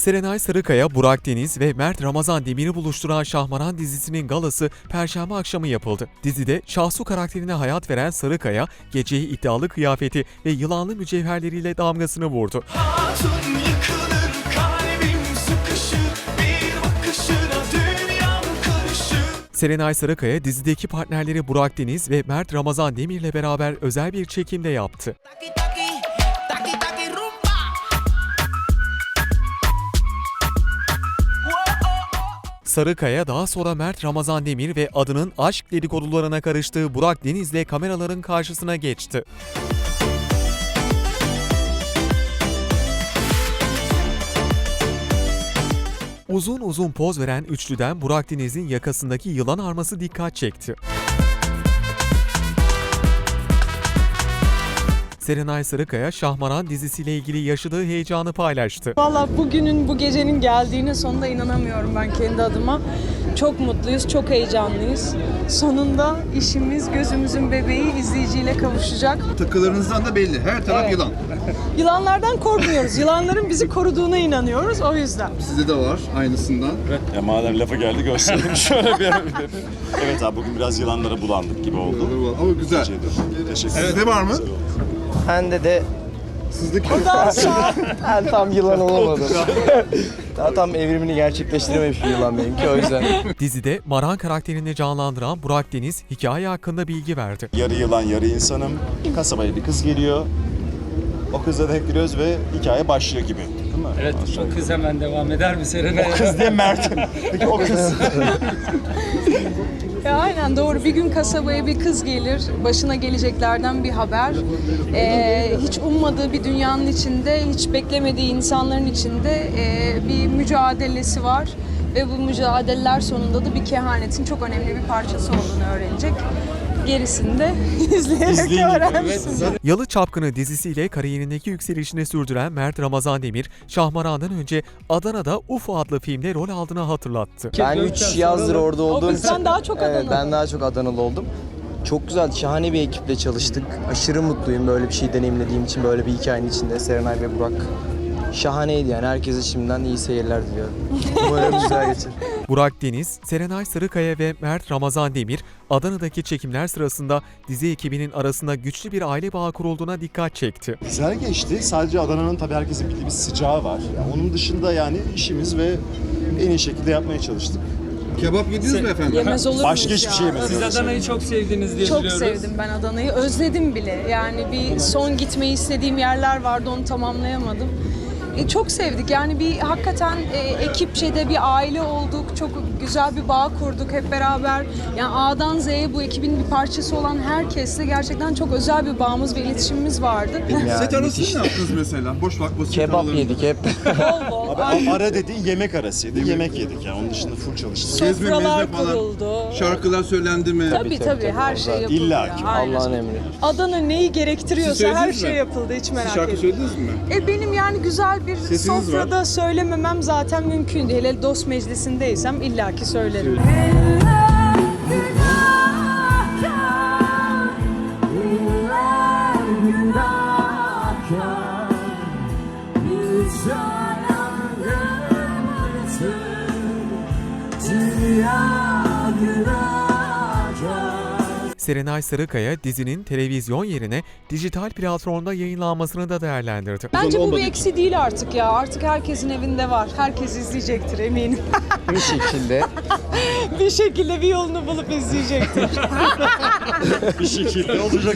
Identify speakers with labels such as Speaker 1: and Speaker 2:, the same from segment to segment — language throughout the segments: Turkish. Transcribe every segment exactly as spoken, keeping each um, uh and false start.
Speaker 1: Serenay Sarıkaya, Burak Deniz ve Mert Ramazan Demir'i buluşturan Şahmaran dizisinin galası Perşembe akşamı yapıldı. Dizide Şahsu karakterine hayat veren Sarıkaya, geceye iddialı kıyafeti ve yılanlı mücevherleriyle damgasını vurdu.
Speaker 2: Hatun yıkılır, kalbim sıkışır, bir bakışına dünyam karışır.
Speaker 1: Serenay Sarıkaya, dizideki partnerleri Burak Deniz ve Mert Ramazan Demir'le beraber özel bir çekimde yaptı.
Speaker 2: Taki taki, taki taki rumba.
Speaker 1: Sarıkaya daha sonra Mert Ramazan Demir ve adının aşk dedikodularına karıştığı Burak Deniz'le kameraların karşısına geçti. Uzun uzun poz veren üçlüden Burak Deniz'in yakasındaki yılan arması dikkat çekti. Serenay Sarıkaya, Şahmaran dizisiyle ilgili yaşadığı heyecanı paylaştı.
Speaker 3: Valla bugünün, bu gecenin geldiğine sonunda inanamıyorum ben kendi adıma. Çok mutluyuz, çok heyecanlıyız. Sonunda işimiz, gözümüzün bebeği izleyiciyle kavuşacak.
Speaker 4: Takılarınızdan da belli. Her taraf
Speaker 3: Evet.
Speaker 4: yılan.
Speaker 3: Yılanlardan korkmuyoruz. Yılanların bizi koruduğuna inanıyoruz o yüzden.
Speaker 4: Sizde de var aynısından.
Speaker 5: Ya madem lafa geldi gösterelim şöyle bir. Evet abi bugün biraz yılanlara bulandık gibi oldu.
Speaker 4: Ama güzel.
Speaker 5: Teşekkür ederim.
Speaker 4: Sizde var mı?
Speaker 6: Bende de
Speaker 4: Sizdeki
Speaker 3: Daha sonra
Speaker 6: ben tam yılan olamadım. Daha tam evrimini gerçekleştirememiş bir yılan benimki o yüzden.
Speaker 1: Dizide Maran karakterini canlandıran Burak Deniz hikaye hakkında bilgi verdi.
Speaker 5: Yarı yılan yarı insanım. Kasabaya bir kız geliyor. O kızla denk giriyoruz ve hikaye başlıyor gibi. Değil mi?
Speaker 7: Evet, o kız hemen devam eder mi Serenay?
Speaker 5: O kız diye Mert. Peki o kız.
Speaker 3: Ya aynen doğru. Bir gün kasabaya bir kız gelir, başına geleceklerden bir haber. Ee, hiç ummadığı bir dünyanın içinde, hiç beklemediği insanların içinde e, bir mücadelesi var. Ve bu mücadeleler sonunda da bir kehanetin çok önemli bir parçası olduğunu öğrenecek. Gerisini de izleyerek öğrensin.
Speaker 1: Yalı Çapkını dizisiyle kariyerindeki yükselişini sürdüren Mert Ramazan Demir, Şahmaran'dan önce Adana'da U F O adlı filmde rol aldığını hatırlattı.
Speaker 6: Ben üç yazdır orada olduğum
Speaker 3: kız sen daha çok
Speaker 6: evet,
Speaker 3: Adanalı.
Speaker 6: ben daha çok Adanalı oldum. Çok güzel, şahane bir ekiple çalıştık. Aşırı mutluyum böyle bir şey deneyimlediğim için, böyle bir hikayenin içinde. Serenay ve Burak şahaneydi yani. Herkese şimdiden iyi seyirler diliyorum. Umarım güzel geçer.
Speaker 1: Burak Deniz, Serenay Sarıkaya ve Mert Ramazan Demir, Adana'daki çekimler sırasında dizi ekibinin arasında güçlü bir aile bağı kurulduğuna dikkat çekti.
Speaker 5: Güzel geçti. Sadece Adana'nın tabii herkesin bildiği bir sıcağı var. Yani onun dışında yani işimiz ve en iyi şekilde yapmaya çalıştık.
Speaker 4: kebap yediniz mi efendim?
Speaker 3: Yemez olur
Speaker 5: Başka
Speaker 3: muyuz
Speaker 5: hiçbir
Speaker 3: ya?
Speaker 5: şey yemedim.
Speaker 7: Siz Adana'yı çok sevdiniz diye
Speaker 3: Çok
Speaker 7: biliyoruz.
Speaker 3: sevdim ben Adana'yı. Özledim bile. Yani bir son gitmeyi istediğim yerler vardı, onu tamamlayamadım. E, çok sevdik. Yani bir hakikaten e, ekipçe de bir aile olduk. Çok güzel bir bağ kurduk hep beraber. Yani A'dan Z'ye bu ekibin bir parçası olan herkesle gerçekten çok özel bir bağımız ve iletişimimiz vardı.
Speaker 6: Yani
Speaker 4: Set arasında
Speaker 6: müthiş.
Speaker 4: ne yaptınız mesela? Boş vakit
Speaker 6: Kebap yedik hep.
Speaker 3: Bol bol.
Speaker 5: Abi ara dediğin yemek arasıydı. Yemek yedik yani. Onun dışında full çalıştık.
Speaker 4: Gezme,
Speaker 3: Sofralar
Speaker 4: mezme falan.
Speaker 3: kuruldu.
Speaker 4: Şarkılar söylendi mi?
Speaker 3: Tabii tabii,
Speaker 6: tabii,
Speaker 3: her
Speaker 6: tabii.
Speaker 3: şey yapıldı.
Speaker 5: İlla
Speaker 3: ya,
Speaker 5: ki.
Speaker 3: aynen.
Speaker 6: Allah'ın emri.
Speaker 3: Adana neyi
Speaker 4: Siz
Speaker 3: gerektiriyorsa
Speaker 4: söylediniz
Speaker 3: her
Speaker 4: mi?
Speaker 3: şey yapıldı, hiç merak
Speaker 4: Siz şarkı
Speaker 3: etmeyin.
Speaker 4: söylediniz mi?
Speaker 3: E benim yani güzel bir
Speaker 4: Sesiniz
Speaker 3: sofrada
Speaker 4: var.
Speaker 3: söylememem zaten mümkün değil. Hele dost meclisindeysem illaki söylerim.
Speaker 1: Serenay Sarıkaya, dizinin televizyon yerine dijital platformda yayınlanmasını da değerlendirdi.
Speaker 3: Bence bu
Speaker 4: olmadığı
Speaker 3: bir eksi değil artık ya. Artık herkesin evinde var. Herkes izleyecektir eminim.
Speaker 6: Bir şekilde.
Speaker 3: Bir şekilde bir yolunu bulup izleyecektir.
Speaker 5: Bir şekilde olacak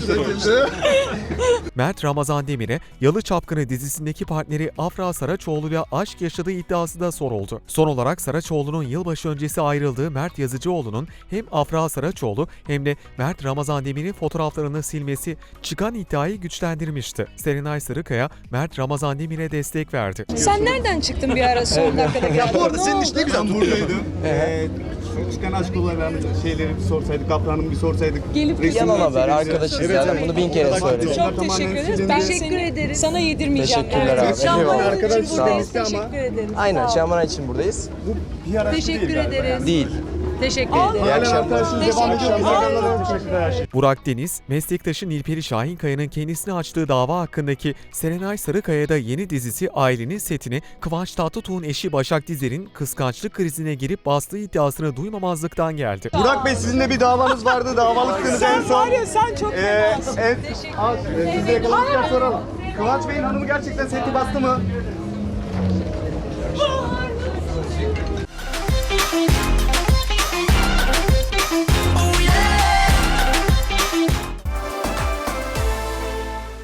Speaker 1: Mert Ramazan Demir'e Yalı Çapkını dizisindeki partneri Afra Saraçoğlu'yla aşk yaşadığı iddiası da soruldu. Son olarak Saraçoğlu'nun yılbaşı öncesi ayrıldığı Mert Yazıcıoğlu'nun hem Afra Saraçoğlu hem de Mert Ramazan Demir'in fotoğraflarını silmesi çıkan iddiayı güçlendirmişti. Serenay Sarıkaya, Mert Ramazan Demir'e destek verdi.
Speaker 3: Sen nereden çıktın bir ara son dakikada geldin?
Speaker 4: Bu arada
Speaker 3: Ne
Speaker 4: senin
Speaker 3: oldu?
Speaker 4: iş ne güzel
Speaker 8: Ben
Speaker 4: tutuyor.
Speaker 8: buradaydım. Ee, çıkan aşk olaylarını şeyleri bir sorsaydık, Kaptan'ı bir sorsaydık.
Speaker 3: Gelip
Speaker 8: Resimler
Speaker 6: Yalan haber,
Speaker 8: çekilse-
Speaker 6: arkadaşız
Speaker 8: Evet,
Speaker 6: zaten
Speaker 8: evet.
Speaker 6: bunu bin kere söyledim.
Speaker 3: Çok teşekkür ederiz. Ben teşekkür ederim. Sana yedirmeyeceğim.
Speaker 6: Teşekkürler abi.
Speaker 3: Şahmaran için
Speaker 8: Arkadaşlar,
Speaker 3: buradayız.
Speaker 8: sağ ol.
Speaker 3: Teşekkür ederiz.
Speaker 6: Aynen,
Speaker 3: Sağ ol.
Speaker 6: Şahmaran için buradayız.
Speaker 8: Bu bir araç
Speaker 3: Teşekkür
Speaker 8: değil galiba
Speaker 3: ederiz.
Speaker 8: yani.
Speaker 6: Değil.
Speaker 3: Teşekkür ederim.
Speaker 5: İyi akşamlar. Devam ediyor.
Speaker 3: Teşekkür
Speaker 5: Teşekkürler her şey.
Speaker 1: Burak Deniz, meslektaşı Nilperi Şahinkaya'nın kendisine açtığı dava hakkındaki Serenay Sarıkaya'da yeni dizisi Ailenin setini Kıvanç Tatlıtuğ'un eşi Başak Dizer'in kıskançlık krizine girip bastığı iddiasını duymamazlıktan geldi.
Speaker 8: Burak Bey sizinle bir davanız vardı. Davalıktınız en son.
Speaker 3: sen çok
Speaker 8: Ee, evet. Aa, Siz de yakalamışken soralım. Kıvanç Bey'in hanımı gerçekten seti bastı mı?